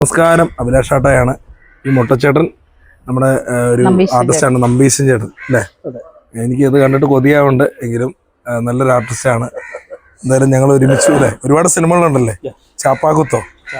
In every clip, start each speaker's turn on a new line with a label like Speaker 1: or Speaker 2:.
Speaker 1: നമസ്കാരം, അഭിലാഷാട്ടയാണ്. ഈ മുട്ടച്ചേട്ടൻ നമ്മുടെ ഒരു ആർട്ടിസ്റ്റാണ്, നമ്പീശൻ ചേട്ടൻ അല്ലേ? എനിക്ക് ഇത് കണ്ടിട്ട് കൊതിയാവുണ്ട്, എങ്കിലും നല്ലൊരു ആർട്ടിസ്റ്റാണ്. എന്തായാലും ഞങ്ങൾ ഒരുമിച്ച് അല്ലേ, ഒരുപാട് സിനിമകളുണ്ടല്ലേ? ചാപ്പാക്കുത്തോ?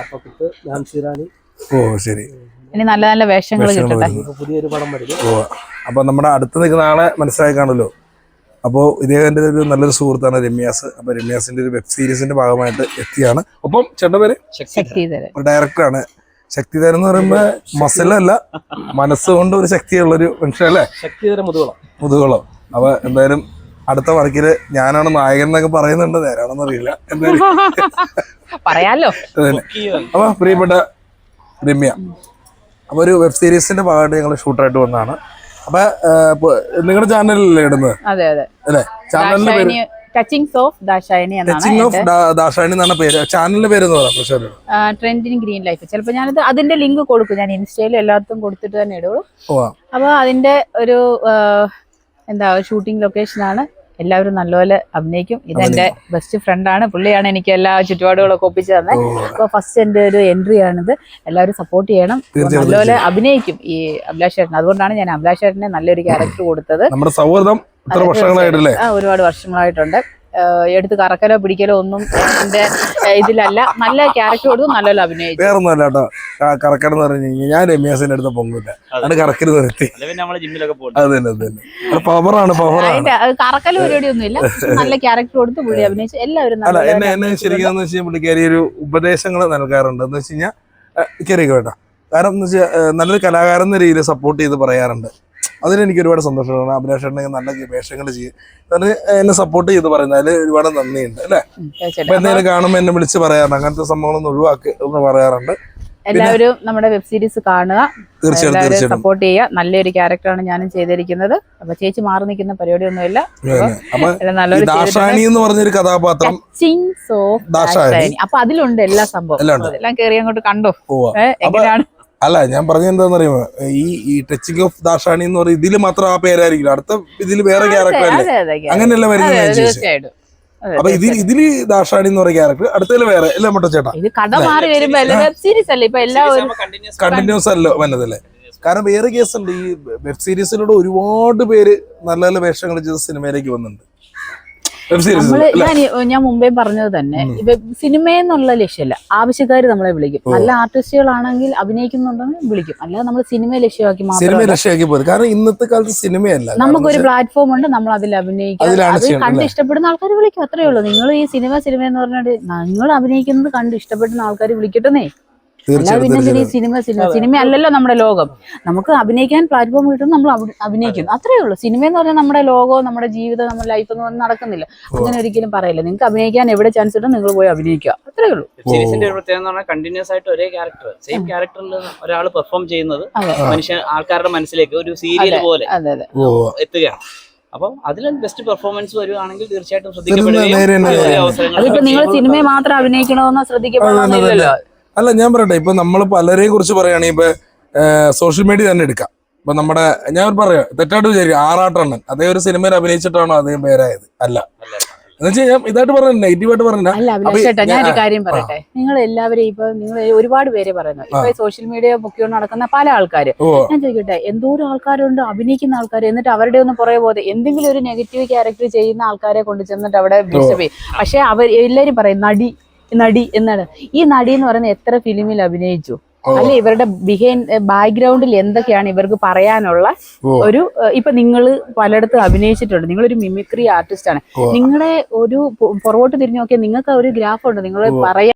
Speaker 1: ഓ ശരി,
Speaker 2: നല്ല നല്ല വേഷങ്ങൾ
Speaker 3: പുതിയൊരു പടം വരും.
Speaker 1: ഓ, അപ്പൊ നമ്മുടെ അടുത്ത് നിൽക്കുന്ന ആളെ മനസ്സിലായി കാണുമല്ലോ. അപ്പോൾ ഇദ്ദേഹത്തിന്റെ ഒരു നല്ലൊരു സുഹൃത്താണ് രമ്യാസ്. അപ്പൊ രമ്യാസിന്റെ ഒരു വെബ് സീരീസിന്റെ ഭാഗമായിട്ട് എത്തിയാണ്. ഒപ്പം ചേട്ടന്റെ പേര് ഡയറക്ടറാണ്. ശക്തിധരൻ എന്ന് പറയുമ്പോ മസിലല്ല, മനസ്സുകൊണ്ട് ഒരു ശക്തിയുള്ളൊരു മനുഷ്യൻ അല്ലേ?
Speaker 3: ശക്തിധരൻ
Speaker 1: മുതുകുളം. അപ്പൊ എന്തായാലും അടുത്ത വർക്കില് ഞാനാണ് നായകൻ എന്നൊക്കെ പറയുന്നുണ്ട്, നേരാണെന്ന് അറിയില്ല. എന്തായാലും
Speaker 2: പറയാലോ.
Speaker 1: അപ്പൊ പ്രിയപ്പെട്ട രമ്യ, അപ്പൊ ഒരു വെബ് സീരീസിന്റെ ഭാഗമായിട്ട് ഞങ്ങൾ ഷൂട്ടായിട്ട് വന്നതാണ്. അപ്പൊ നിങ്ങളുടെ ചാനലിലല്ലേ ഇടുന്നത്?
Speaker 2: അതെ അതെ
Speaker 1: അല്ലേ? ചാനലിന്റെ പേര്
Speaker 2: ടച്ചിങ്സ് ഓഫ് ദാശായണി
Speaker 1: എന്നാണ് പേര്. ചാനലിന്റെ പേര്
Speaker 2: ട്രെൻഡിങ് ഗ്രീൻ ലൈഫ്. ചിലപ്പോൾ ഞാനത് അതിന്റെ ലിങ്ക് കൊടുക്കും, ഞാൻ ഇൻസ്റ്റയിലും എല്ലാത്തും കൊടുത്തിട്ട് തന്നെ ഇടുള്ളൂ. അപ്പൊ അതിന്റെ ഒരു ഷൂട്ടിംഗ് ലൊക്കേഷനാണ്. എല്ലാവരും നല്ലപോലെ അഭിനയിക്കും. ഇതെന്റെ ബെസ്റ്റ് ഫ്രണ്ടാണ്, പുള്ളിയാണ് എനിക്ക് എല്ലാ ചുറ്റുപാടുകളൊക്കെ ഒപ്പിച്ചു തന്നെ. അപ്പൊ ഫസ്റ്റ് എന്റെ ഒരു എൻട്രി ആണിത്. എല്ലാവരും സപ്പോർട്ട് ചെയ്യണം. നല്ലപോലെ അഭിനയിക്കും ഈ അഭിലാഷ് ചേട്ടൻ. അതുകൊണ്ടാണ് ഞാൻ അഭിലാഷ് ചേട്ടനെ നല്ലൊരു ക്യാരക്ടർ കൊടുത്തത്.
Speaker 1: നമ്മുടെ സൗഹൃദം
Speaker 2: ഒരുപാട് വർഷങ്ങളായിട്ടുണ്ട്. എടുത്ത് കറക്കലോ പിടിക്കലോ ഒന്നും എന്റെ ഇതിലല്ല. നല്ല ക്യാരക്ടർ കൊടുത്തു, നല്ലപോലെ അഭിനയിച്ചു.
Speaker 1: വേറൊന്നുമല്ല കേട്ടോ, കറക്കടെന്ന് പറഞ്ഞു കഴിഞ്ഞാൽ ഞാൻ രമ്യാസിന്റെ അടുത്ത് പൊങ്ങില്ല, അത് കറക്കല് നിർത്തി. പവറാണ്
Speaker 2: കറക്കല് പരിപാടിയൊന്നും ഇല്ല. നല്ല ക്യാരക്ടർ കൊടുത്ത് പുള്ളി അഭിനയിച്ചു. എല്ലാവരും
Speaker 1: എന്നെ ശരിക്കും വെച്ചാൽ പുള്ളിക്കാരി ഒരു ഉപദേശങ്ങൾ നൽകാറുണ്ട്. എന്ന് വെച്ച് കഴിഞ്ഞാൽ കയറിയൊക്കെ വേണ്ട, കാരണം എന്ന് വെച്ചാൽ നല്ലൊരു കലാകാരൻ എന്ന രീതിയിൽ സപ്പോർട്ട് ചെയ്ത് പറയാറുണ്ട്. അതിലെനിക്ക് ഒരുപാട് സന്തോഷമാണ്. അഭിലാഷ് നല്ല വേഷങ്ങൾ ചെയ്യും, എന്നെ സപ്പോർട്ട് ചെയ്ത് പറയുന്നത് അതിൽ ഒരുപാട് നന്ദിയുണ്ട് അല്ലേ? അപ്പൊ എന്തെങ്കിലും കാണുമ്പോൾ എന്നെ വിളിച്ച് പറയാറുണ്ട്, അങ്ങനത്തെ സംഭവങ്ങളൊന്നും ഒഴിവാക്കി എന്ന് പറയാറുണ്ട്.
Speaker 2: എല്ലാവരും നമ്മുടെ വെബ് സീരീസ് കാണുക, തീർച്ചയായിട്ടും സപ്പോർട്ട് ചെയ്യുക. നല്ലൊരു ക്യാരക്ടറാണ് ഞാനും ചെയ്തിരിക്കുന്നത്. അപ്പൊ ചേച്ചി മാറി നിൽക്കുന്ന പരിപാടിയൊന്നുമില്ല.
Speaker 1: ദാശായണി എന്ന് പറഞ്ഞൊരു കഥാപാത്രം,
Speaker 2: അപ്പൊ അതിലുണ്ട് എല്ലാ സംഭവം. എല്ലാം കയറി അങ്ങോട്ട് കണ്ടോ എങ്ങനെയാണ്?
Speaker 1: അല്ല, ഞാൻ പറഞ്ഞ എന്താന്ന് പറയുമ്പോ ഈ ടച്ചിങ് ഓഫ് ദാശാണി എന്ന് പറയുന്നത് ഇതില് മാത്രം ആ പേരായിരിക്കില്ല, അടുത്ത ഇതില് വേറെ ക്യാരക്ടർ അല്ലേ? അങ്ങനെയല്ല വരുന്നത്. അപ്പൊ ഇതില് ദാശാണി എന്ന് പറയുന്ന ക്യാരക്ടർ, അടുത്തതില് വേറെ അല്ലേ? മുട്ടച്ചേട്ടാ, കണ്ടിന്യൂസ് അല്ലോ വന്നതല്ലേ? കാരണം വേറെ കേസുണ്ട്, ഈ വെബ് സീരീസിലൂടെ ഒരുപാട് പേര് നല്ല നല്ല വേഷങ്ങൾ ചെയ്ത് സിനിമയിലേക്ക് വന്നിട്ടുണ്ട്.
Speaker 2: ഞാൻ മുമ്പേ പറഞ്ഞത് തന്നെ, സിനിമയെന്നുള്ള ലക്ഷ്യമല്ല, ആവശ്യക്കാർ നമ്മളെ വിളിക്കും. നല്ല ആർട്ടിസ്റ്റുകളാണെങ്കിൽ അഭിനയിക്കുന്നുണ്ടെങ്കിൽ വിളിക്കും. അല്ലാതെ നമ്മൾ സിനിമ ലക്ഷ്യമാക്കി
Speaker 1: മാത്രം. കാരണം ഇന്നത്തെ കാലത്ത് സിനിമയല്ല,
Speaker 2: നമുക്കൊരു പ്ലാറ്റ്ഫോം ഉണ്ട്, നമ്മൾ അതിൽ അഭിനയിക്കും. അത് കണ്ട് ഇഷ്ടപ്പെടുന്ന ആൾക്കാർ വിളിക്കും, അത്രേ ഉള്ളൂ. നിങ്ങൾ ഈ സിനിമ എന്ന് പറഞ്ഞിട്ട് നിങ്ങൾ അഭിനയിക്കുന്നത് കണ്ട് ഇഷ്ടപ്പെടുന്ന ആൾക്കാർ വിളിക്കട്ടെന്നേ. പിന്നെ സിനിമ അല്ലല്ലോ നമ്മുടെ ലോകം. നമുക്ക് അഭിനയിക്കാൻ പ്ലാറ്റ്ഫോം കിട്ടും, നമ്മൾ അഭിനയിക്കും, അത്രേ ഉള്ളൂ. സിനിമ എന്ന് പറഞ്ഞാൽ നമ്മുടെ ലോകവും നമ്മുടെ ജീവിതം, നമ്മുടെ ലൈഫ് എന്ന് പറഞ്ഞാൽ നടക്കുന്നില്ല. അങ്ങനെ ഒരിക്കലും പറയില്ല. നിങ്ങൾക്ക് അഭിനയിക്കാൻ എവിടെ ചാൻസ് കിട്ടും, നിങ്ങൾ പോയി അഭിനയിക്കുക, അത്രേ ഉള്ളൂ.
Speaker 3: സീരീസിന്റെ ഒരു പ്രത്യേകത എന്ന് പറഞ്ഞാൽ കണ്ടിന്യൂസ് ആയിട്ട് ഒരേ ക്യാരക്ടർ, സെയിം ക്യാരക്ടറിൽ ഒരാൾ പെർഫോം ചെയ്യുന്നത് ആൾക്കാരുടെ മനസ്സിലേക്ക് ഒരു സീരിയൽ പോലെ എത്തുകയാണ്. അപ്പൊ അതിൽ ബെസ്റ്റ് പെർഫോമൻസ് വരുവാണെങ്കിൽ തീർച്ചയായിട്ടും ശ്രദ്ധിക്കപ്പെടുകയും
Speaker 2: അതിപ്പോ നിങ്ങൾ സിനിമയെ മാത്രം അഭിനയിക്കണമെന്നോ ശ്രദ്ധിക്കപ്പെടുന്നില്ലല്ലോ.
Speaker 1: അല്ല, ഞാൻ പറയട്ടെ, ഇപ്പൊ നമ്മൾ പലരെ കുറിച്ച് പറയുകയാണെങ്കിൽ ഇപ്പൊ സോഷ്യൽ മീഡിയ തന്നെ എടുക്കാം. ഇപ്പൊ നമ്മുടെ ഞാൻ പറയാം, തെറ്റായിട്ട് വിചാരിക്കും, ആറാട്ടണ്ണൻ അതേ ഒരു സിനിമയിൽ അഭിനയിച്ചിട്ടാണോ അദ്ദേഹം പേരായത്? അല്ല, എന്നുവെച്ചാൽ ഞാൻ ഇതായിട്ട് പറഞ്ഞ നെഗറ്റീവായിട്ട് പറഞ്ഞ.
Speaker 2: ഞാനൊരു കാര്യം പറയട്ടെ, നിങ്ങൾ എല്ലാവരും ഇപ്പൊ നിങ്ങൾ ഒരുപാട് പേര് പറയുന്നു, ഇപ്പൊ സോഷ്യൽ മീഡിയ മുഖ്യകൊണ്ട് നടക്കുന്ന പല ആൾക്കാര്. ഞാൻ ചോദിക്കട്ടെ, എന്തോരം ആൾക്കാരുണ്ട് അഭിനയിക്കുന്ന ആൾക്കാർ, എന്നിട്ട് അവരുടെ ഒന്നും പുറകെ പോകാതെ എന്തെങ്കിലും ഒരു നെഗറ്റീവ് ക്യാരക്ടർ ചെയ്യുന്ന ആൾക്കാരെ കൊണ്ട് ചെന്നിട്ട് അവിടെ ഡിസ്റ്റർബ് ചെയ്യും. പക്ഷെ അവർ എല്ലാരും പറയും നടി എന്നാണ്. ഈ നടി എന്ന് പറയുന്നത് എത്ര ഫിലിമിൽ അഭിനയിച്ചു, അല്ലെ ഇവരുടെ ബാക്ക്ഗ്രൗണ്ടിൽ എന്തൊക്കെയാണ് ഇവർക്ക് പറയാനുള്ള ഒരു. ഇപ്പൊ നിങ്ങൾ പലയിടത്തും അഭിനയിച്ചിട്ടുണ്ട്, നിങ്ങളൊരു മിമിക്രി ആർട്ടിസ്റ്റ് ആണ്. നിങ്ങളെ ഒരു പുറകോട്ട് തിരിഞ്ഞു നോക്കിയാൽ നിങ്ങൾക്ക് ഒരു ഗ്രാഫ് ഉണ്ട്, നിങ്ങൾ പറയാൻ